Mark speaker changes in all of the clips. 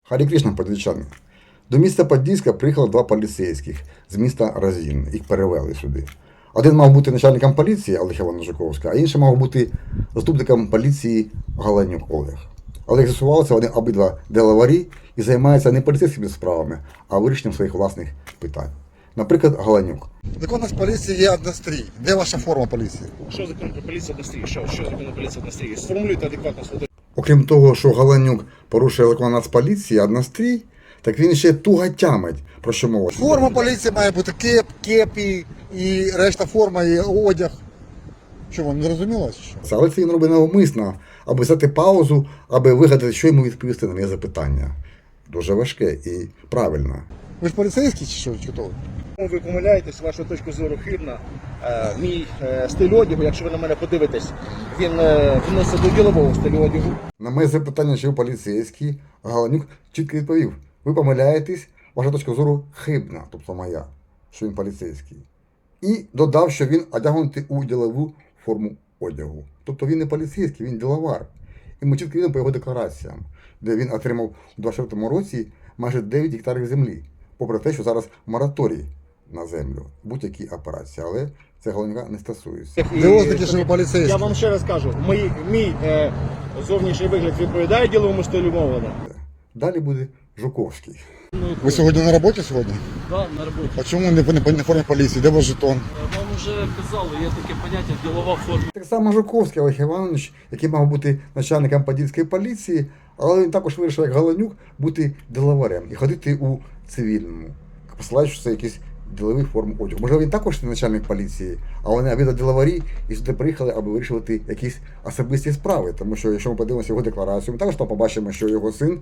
Speaker 1: Харі Крішна, подільчани. До міста Подільська приїхало 2 поліцейських з міста Разін. Їх перевели сюди. Один мав бути начальником поліції Олег Іванович Жуковський, а інший мав бути заступником поліції Галанюк Олег. Але як з'ясувалося, вони обидва делаварі і займаються не поліцейськими справами, а вирішенням своїх власних питань. Наприклад, Галанюк.
Speaker 2: Закон з поліції є однострій. Де ваша форма поліції?
Speaker 3: Що закон про поліцію однострій? Що закон про поліцію однострій? Сформулюйте адекватно слово.
Speaker 1: Окрім того, що Галанюк порушує закон Нацполіції, однострій, так він ще туго тямить, про що мова.
Speaker 2: Форма поліції має бути кеп і решта форма, і одяг. Що, вам не зрозуміло?
Speaker 1: Але це він робить навмисно, аби взяти паузу, аби вигадати, що йому відповісти на моє запитання. Дуже важке і правильно.
Speaker 2: Ви ж поліцейський чи що? Чи хто?
Speaker 3: Ви помиляєтесь, ваша точка зору хибна. Мій стиль одягу, якщо ви на мене подивитесь, він відноситься до ділового стилю одягу.
Speaker 1: На моє запитання, чи ви поліцейський, Галанюк чітко відповів: ви помиляєтесь, ваша точка зору хибна, тобто моя, що він поліцейський. І додав, що він одягнутий у ділову форму одягу. Тобто він не поліцейський, він діловар. І ми чітко видимо по його деклараціям, де він отримав у 24-му році майже 9 гектарів землі, попри те, що зараз мораторій на землю, будь-які операції, але це Галанюка не стосується.
Speaker 2: Де ознаки, що ви поліцейський?
Speaker 3: Я вам ще раз кажу, мій зовнішній вигляд відповідає діловому стилю мовлення.
Speaker 1: Далі буде Жуковський.
Speaker 2: Ви сьогодні на роботі сьогодні?
Speaker 4: Да, на роботі.
Speaker 2: А чому не в формі поліції? Де ваш жетон?
Speaker 4: Вам вже казали, є таке поняття ділова форма.
Speaker 1: Так само Жуковський Олег Іванович, який мав бути начальником Подільської поліції, але він також вирішив, як Галанюк, бути діловарем і ходити у цивільному, посилаючи, що це якісь ділові форми одягу. Можливо, він також не начальник поліції, а вони обидва діловарі і сюди приїхали, аби вирішувати якісь особисті справи. Тому що, якщо ми подивимося його декларацію, ми також там побачимо, що його син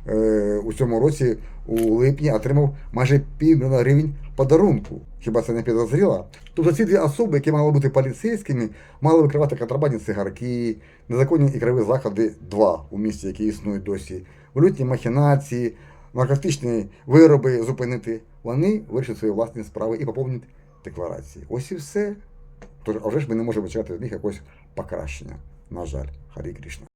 Speaker 1: у цьому році, у липні, отримав майже $500 000 гривень подарунку. Хіба це не підозріло? Тобто ці дві особи, які мали бути поліцейськими, мали викривати контрабандні цигарки, незаконні ігрові заходи 2 у місті, які існують досі, валютні махінації, наркотичні вироби зупинити. Вони вирішать свої власні справи і поповнять декларації. Ось і все. Тож, а вже ж ми не можемо чекати від них якогось покращення. На жаль, Харі Крішна.